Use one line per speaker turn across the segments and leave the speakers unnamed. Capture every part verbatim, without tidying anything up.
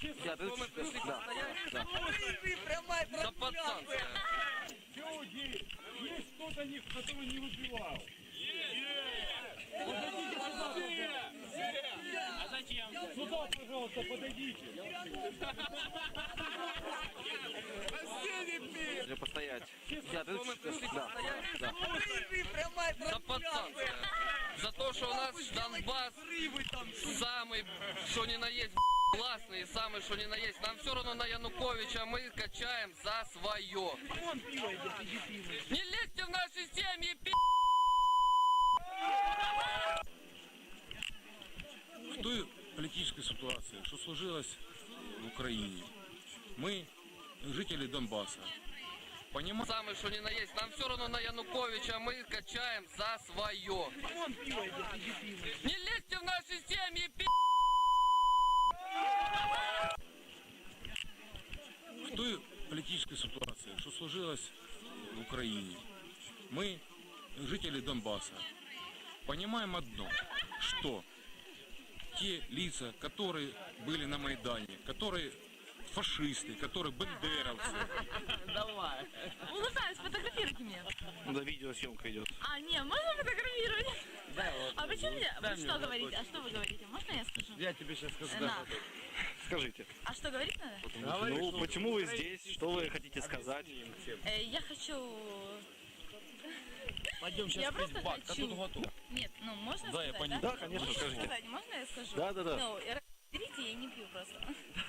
Я, ты мы пришли постоять? Да.
Прямая
За пацанское.
Есть кто-то, кто не выпивал?
А зачем?
Сюда, пожалуйста, подойдите.
Или постоять? Я, ты
мы пришли
да.
постоять?
Да.
Прямая
За пацанское. За то, что у нас Донбасс самый, что ни на есть, классный, самый, что ни на есть. Нам все равно на Януковича, мы качаем за свое. Не лезьте в наши семьи, пи***!
В той политической ситуации, что сложилось в Украине, мы, жители Донбасса, понимаем...
Самый, что ни на есть. Нам все равно на Януковича, мы качаем за свое. Не лезьте в наши семьи, пи***!
В той политической ситуации, что сложилось в Украине, мы, жители Донбасса, понимаем одно, что те лица, которые были на Майдане, которые фашисты, которые бандеровцы.
Давай.
Улыбаюсь, сфотографируйте меня.
Да, видеосъемка идет.
А, не, можно фотографировать?
Да, вот,
А почему
вот,
мне?
дай
Вы
мне
что
вот
говорите?
такой.
А что вы говорите? Можно я скажу?
Я тебе сейчас скажу.
Э,
Да.
на.
Скажите.
А что говорить надо?
Говори,
Ну,
что
почему вы здесь? Что вы хотите сказать?
Э, я хочу...
Пойдем
Я
сейчас пить
просто
бак, а
хочу...
тут готово.
Нет, ну можно
Да, я
сказать,
понял.
да?
Да, конечно,
Можно
скажите.
сказать? Можно я скажу?
Да, да, да.
Ну, я- берите, я не пью просто.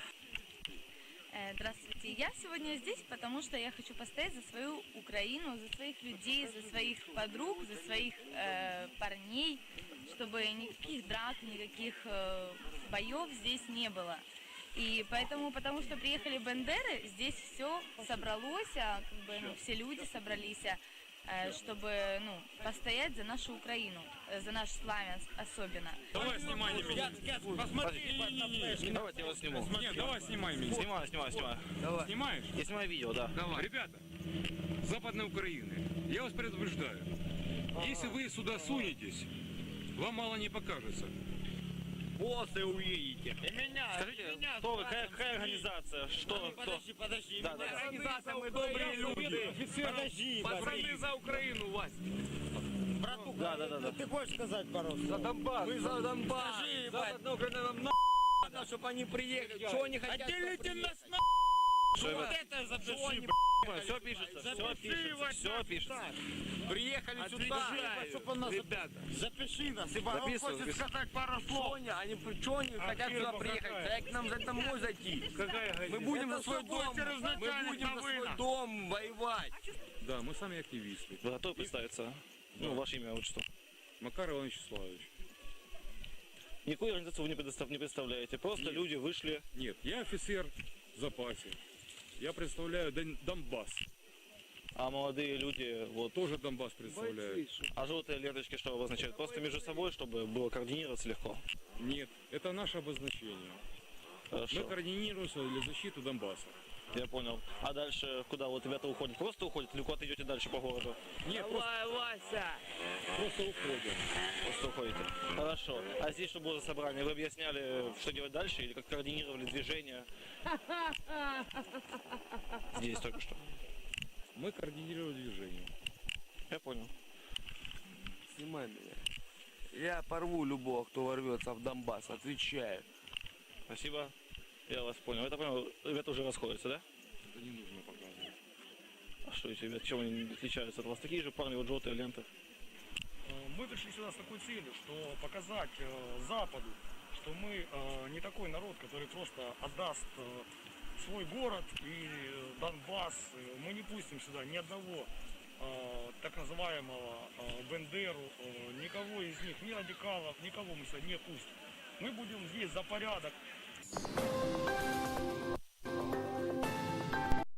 Э, Здравствуйте. Я сегодня здесь, потому что я хочу постоять за свою Украину, за своих людей, за своих подруг, за своих э, парней, чтобы никаких драк, никаких э, боев здесь не было. И поэтому, потому что приехали бандеры, здесь все собралось, а, как бы, ну, все люди собрались, а, э, чтобы, ну, постоять за нашу Украину, э, за наш Славянск особенно.
Давай снимай меня.
Посмотри,
Давайте я вас сниму.
Нет, давай снимай меня.
Снимаю, снимаю, снимаю.
Снимаешь?
Я снимаю видео, да.
Ребята, Западной Украины, я вас предупреждаю. Если вы сюда сунетесь, вам мало не покажется.
После увидите. И меня,
Скажите,
и меня
кто вы,
сюда
какая,
там
какая
сюда.
организация? Что, кто?
Подожди, подожди.
Да, да, да.
Организация, мы добрые люди. Подожди,
Пацаны за Украину, Вась.
братуха.
Да, да, да, да.
Ты хочешь сказать пару слов?
За Донбасс.
Мы за Донбасс. Скажи, ебать.
Западная Украина нам на...
Надо, чтобы они приехали. Что они хотят?
Отделите нас на...
Что
Вот
вы-
это запиши,
Все пишется, все
Запиши,
пишется,
Вась,
все пишется.
Приехали сюда, чтобы нас...
Ребята.
Запиши нас, ибо он
Записываю,
хочет
записываю.
сказать пару слов. Они, что они хотят
фирма
сюда приехать?
какая?
Как к нам за домой зайти?
Какая
Мы будем
Это
за свой
все
дом,
будет через
мы
начальник
будем за
новина.
свой дом воевать.
Да, мы сами активисты.
Вы готовы представиться? Ну, ваше имя, вот что.
Макар Иванович Вячеславович.
Никакую организацию вы не, предостав- не представляете. Просто
Нет.
люди вышли.
Нет, я офицер в запасе. Я представляю Дон- Донбасс.
А молодые люди, вот,
Тоже Донбасс представляю.
а желтые ленточки что обозначают? Просто между собой, чтобы было координироваться легко.
Нет, это наше обозначение. Мы
Хорошо,
координируемся для защиты Донбасса.
я понял. А дальше куда вот ребята уходят? Просто уходят или куда-то идете дальше по городу?
Нет, просто,
Давай, Вася.
просто уходим.
Просто уходите. Хорошо. А здесь что было за собрание? Вы объясняли, что делать дальше или как координировали движение? Здесь только что.
Мы координировали движение.
Я понял.
Снимай меня. Я порву любого, кто ворвется в Донбасс, отвечаю.
Спасибо. Я вас понял. Это понял. Ребята уже расходятся, да?
Это не нужно показывать.
А что эти ребята, чем они отличаются от вас? Такие же парни, вот желтые ленты.
Мы пришли сюда с такой целью, что показать э, Западу, что мы э, не такой народ, который просто отдаст э, свой город и э, Донбасс. Мы не пустим сюда ни одного э, так называемого э, Бендеру, э, никого из них, ни радикалов, никого мы сюда не пустим. Мы будем здесь за порядок.